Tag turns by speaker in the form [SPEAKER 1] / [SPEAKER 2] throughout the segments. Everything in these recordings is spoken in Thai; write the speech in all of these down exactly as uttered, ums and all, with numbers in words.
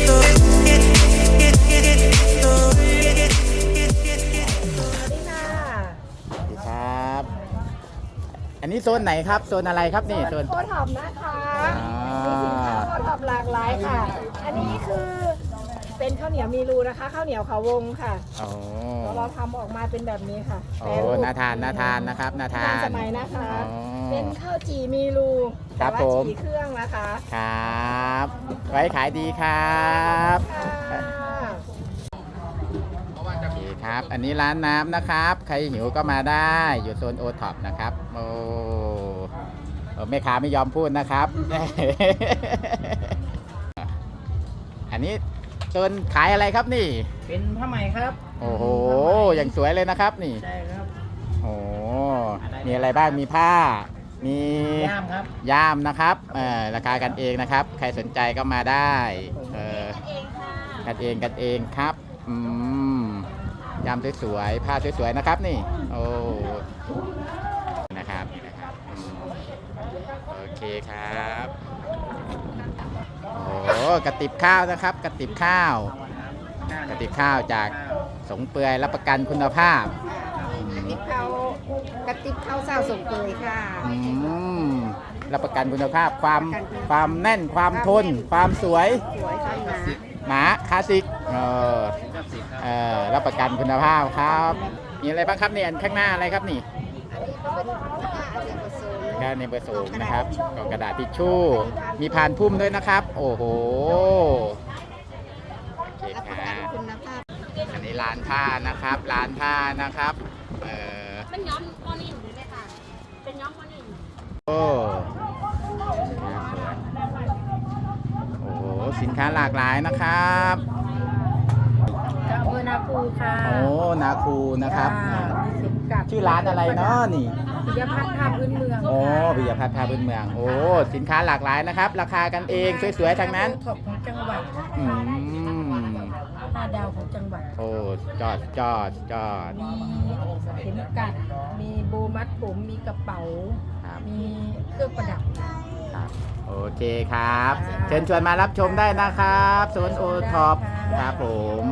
[SPEAKER 1] ครับอันนี้โซนไหนครับโซนอะไรครับนี่โซน
[SPEAKER 2] โคท็อปนะคะมีสินค้าโคท็อปหลากหลายค่ะอันนี้คือเป็นข้าวเหนียวมีรูนะคะข้าวเหนียวเขาวงค่ะเราทำออกมาเป็นแบบนี้ค่ะ
[SPEAKER 1] โอ้น่าทานน่าทานนะครับน่าทาน
[SPEAKER 2] สมัยนะคะเป็นข้าวจี่มีรูแต่ว่าจี่เครื่องนะคะ
[SPEAKER 1] ครับไว้ขายดีครับครับอันนี้ร้านน้ำนะครับใครหิวก็มาได้อยู่โซนโอท็อปนะครับโอ้แม่ค้าไม่ยอมพูดนะครับ อันนี้โซนขายอะไรครับนี่
[SPEAKER 3] เป็นผ้าไหมครับ
[SPEAKER 1] โอ้โหอย่างสวยเลยนะครับนี่
[SPEAKER 3] ใช่ครับ
[SPEAKER 1] โอ้มีอะไรบ้างมีผ้ามี
[SPEAKER 3] ย่ามครับ
[SPEAKER 1] ย่ามนะครับเอ่อราคากันเองนะครับใครสนใจก็มาได้เออกันเองกันเองครับอืมยามสวยๆผ้าสวยๆนะครับนี่โอ้นะครับนะครับโอเคครับโอ้กระติบข้าวนะครับกระติบข้าวกระติบข้าวจากสงเปื่อยรับประกันคุณภาพ
[SPEAKER 2] กระติบข้าวกระติบข้าวเศร้าสงเปื่อยค่ะ
[SPEAKER 1] อืมรับประกันคุณภาพความความแน่นความทนความสวย
[SPEAKER 2] สวยค่ะ
[SPEAKER 1] หนาคลาสสิกเออเออรับประกันคุณภาพครับมีอะไรบ้างครับเนี่ยข้างหน้าอะไรครับนี่ก็ในเบอร์สูงนะครับกล่องกระดาษทิชชู่มีพานพุ่มด้วยนะครับโอ้โหโอเคครับอันนี้ร้านผ้านะครับร้านผ้านะครับเออ
[SPEAKER 4] เป็นย้อมโมนินหรือไม่ค่ะเป็นย้อมโมนิน
[SPEAKER 1] โอ้โอ้โหสินค้าหลากหลายนะครับ
[SPEAKER 2] อำเภอนาคูค่ะ
[SPEAKER 1] โอ้นาคูนะครับชื่อร้านอะไรเนาะนี่
[SPEAKER 2] ปิยพัฒน์ผ้าพื้นเมือง
[SPEAKER 1] โอ้ปิยพัฒน์ผ้าพื้นเมืองโอ้สินค้าหลากหลายนะครับราคากันเองสวยๆทั้งนั้น
[SPEAKER 2] ของจังหวัด
[SPEAKER 1] อื
[SPEAKER 2] มห้าดาวของจังหวัด
[SPEAKER 1] โอ้จอดจอดจอด
[SPEAKER 2] มีเข็มกัดมีโบมัดผมมีกระเป๋ามีเครื่องประดับ
[SPEAKER 1] ครับโอเคครับเชิญชวนมารับชมได้นะครับโซนโอท็อปครับผม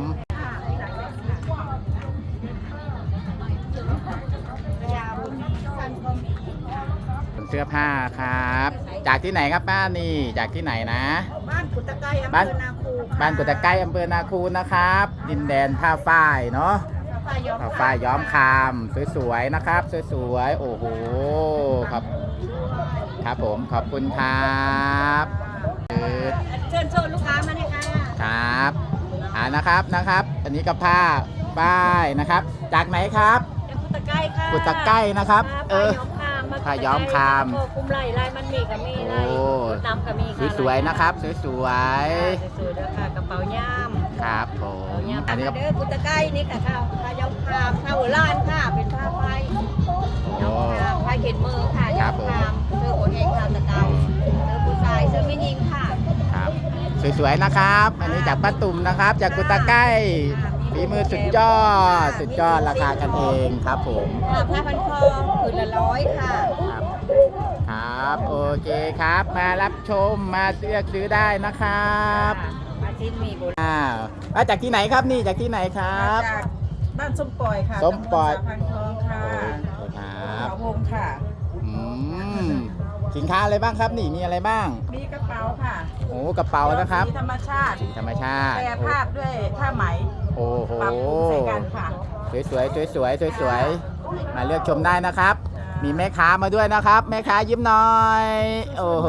[SPEAKER 1] เสื้อผ้าครับจากที่ไหนครับป้านี่จากที่ไหนนะ
[SPEAKER 2] บ้านกุตะไกอำเภอนาคู
[SPEAKER 1] บ้านกุตะไกอำเภอนาคูนะครับดินแดนผ้าฝ้ายเนาะผ้าฝ้ายย้อมคามสวยๆนะครับสวยๆโอ้โหครับครับผมขอบคุณครับ
[SPEAKER 2] เชิญชวนลูกค้ามาเลยค่ะ
[SPEAKER 1] ครับอ่านะครับนะครับอันนี้ก็ผ้าฝ้ายนะครับจากไหนครับ
[SPEAKER 2] กุตะไกค่ะ
[SPEAKER 1] กุตะไกนะครับเออผ้าย้อมคาม
[SPEAKER 2] คุมไหล่ลายมันมีกับมีลายนำกับมี
[SPEAKER 1] ค่ะสวยๆนะครับสวยๆสวย
[SPEAKER 2] ๆด้วยค่ะกระเป๋าย่าม
[SPEAKER 1] ครับผม
[SPEAKER 2] อันนี้ก็กุตะไกนี่ค่ะข้าวผ้าย้อมคามผ้าหัวล้านค่ะเป็นผ้าไฟย้อมคามผ้าเข็นมือค่ะย้อมคามเสื้อโอเฮงค่ะตะเกาเสื้อผู้ชายเสื้อไม่ยิงค่ะ
[SPEAKER 1] ครับสวยๆนะครับอันนี้จากป้าตุ่มนะครับจากกุตะไกฝีมือสุดยอดสุดยอดราคากันเองครับผม
[SPEAKER 2] ผ้าพันคอผืนละร้อยค่ะ
[SPEAKER 1] ครับครับโอเคครับมารับชมมาเลือกซื้อได้นะครับ
[SPEAKER 2] มาชิ้นมีบุญ
[SPEAKER 1] อ่ามาจากที่ไหนครับนี่จากที่ไหนครับ
[SPEAKER 2] จากบ้านส้มปล่อยค่ะ
[SPEAKER 1] ส้มปล่อย
[SPEAKER 2] พันทองค่ะ
[SPEAKER 1] ครับ
[SPEAKER 2] เขาวงค่ะ
[SPEAKER 1] อืมสินค้าอะไรบ้างครับนี่มีอะไรบ้าง
[SPEAKER 2] มีกระเป๋าค่ะ
[SPEAKER 1] โอ้กระเป๋านะครับ
[SPEAKER 2] สีธรรมชาติ
[SPEAKER 1] สีธรรมชาติ
[SPEAKER 2] แปรภาพด้วยผ้าไหม
[SPEAKER 1] โอ้โห
[SPEAKER 2] ปรับปรุงใส่กันค่ะ
[SPEAKER 1] สวยๆสวยๆสวยๆมาเลือกชมได้นะครับมีแม่ค้ามาด้วยนะครับแม่ค้ายิ้มหน่อยโอ้โห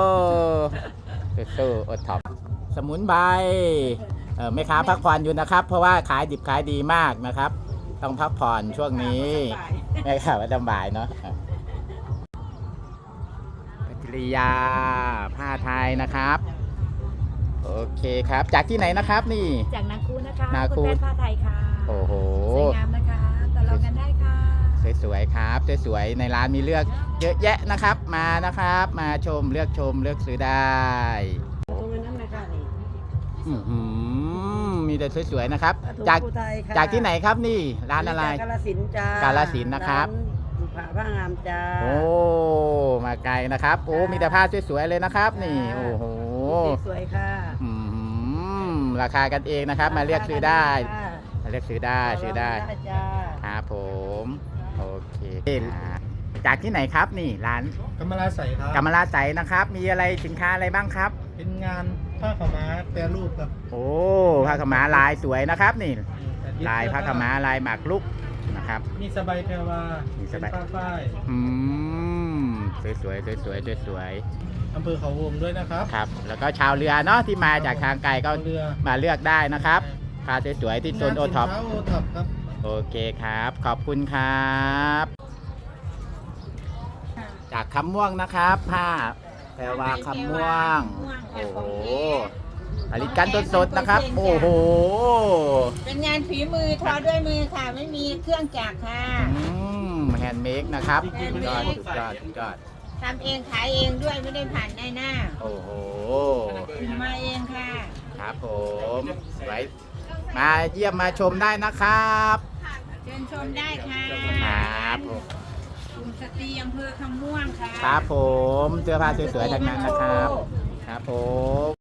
[SPEAKER 1] สู้ๆอดท็อปสมุนไพรแม่ค้าพักผ่อนอยู่นะครับเพราะว่าขายดิบขายดีมากนะครับต้องพักผ่อนช่วงนี้แม่ค้าไม่สบายเนาะกิริยาผ้าไทยนะครับโอเคครับจากที่ไหนนะครับนี่
[SPEAKER 2] จากนาคูนะคะนาคูผ้าไทยค่ะ
[SPEAKER 1] โอ้โห
[SPEAKER 2] สวยงามนะคะต่อรองกันได้ค่ะ
[SPEAKER 1] สวยๆครับสวยๆในร้านมีเลือกเยอะแยะนะครับมานะครับมาชมเลือกชมเลือกซื้อได้
[SPEAKER 2] ตรงนั้นนะคะนี่
[SPEAKER 1] อืมมีแต่สวยๆนะครับจากจากที่ไหนครับนี่ร้านอะไร
[SPEAKER 2] กาฬสินธุ์จ้าก
[SPEAKER 1] าฬสินธุ์นะครับ
[SPEAKER 2] ผ้าผ้างามจ้า
[SPEAKER 1] โอ้มาไกลนะครับโอ้มีแต่ผ้าสวยๆเลยนะครับนี่โอ้โห
[SPEAKER 2] สวยค่ะ
[SPEAKER 1] อืมราคากันเองนะครับ มาเลือกซื้อได้มาเลือกซื้อได้ซื้อได้
[SPEAKER 2] จ้า
[SPEAKER 1] ครับผมโอเคจากที่ไหนครับนี่ร้าน
[SPEAKER 3] กำมะลาใส่ครับ
[SPEAKER 1] กำมะลาใสนะครับ มีอะไรสินค้าอะไรบ้างครับ
[SPEAKER 3] เป็นงานผ้าขาวม้าแปรรูปครับ
[SPEAKER 1] โอ้ผ้าขาวม้าลายสวยนะครับนี่ลายผ้าขาวม้าลายหมากรุกนะครับ
[SPEAKER 3] มีสบายแพรวา
[SPEAKER 1] มีสบาย
[SPEAKER 3] เป็นผ้าฝ้าย
[SPEAKER 1] อืมสวยสวยสวยสวยสวยสวย
[SPEAKER 3] อำเภอเขาวงด้วยนะครับ
[SPEAKER 1] ครับแล้วก็ชาวเรือเนาะที่มาจากทางไกลก็
[SPEAKER 3] เรือ
[SPEAKER 1] มาเลือกได้นะครับผ้าสวยๆที่โซนโอท็อป
[SPEAKER 3] งานสินค้าโอท็อปครับ
[SPEAKER 1] โอเคครับ ขอบคุณครับ จากคำม่วงนะครับผ้าแพรวาคำม่วง โอ้โหผลิตกันสดๆนะครับ โอ้โห
[SPEAKER 2] เป็นงานฝีมือทอด้วยมือค่ะ ไม่มีเครื่องจักรค่ะ
[SPEAKER 1] อืมแฮนด์เมดนะครับ
[SPEAKER 2] แฮ
[SPEAKER 1] สุ
[SPEAKER 2] นด์
[SPEAKER 1] ด
[SPEAKER 2] เม
[SPEAKER 1] ยอด
[SPEAKER 2] ด
[SPEAKER 1] สุดยอดสุดยอด
[SPEAKER 2] ทำเองขายเองด้วยไม่ได้ผ่านในหน้า
[SPEAKER 1] โอ้โห
[SPEAKER 2] พิมพ์มาเองค่ะ
[SPEAKER 1] ครับผมไว้มาเยี่ยมมาชมได้นะครับ
[SPEAKER 2] เชิญชมได้ค่ะ
[SPEAKER 1] ครับผม
[SPEAKER 2] กลุ่มสตรีอำเภอคำม่วงค่ะ
[SPEAKER 1] ครับผมเสื้อผ้าสวยๆทั้งนั้นนะครับ ครับผม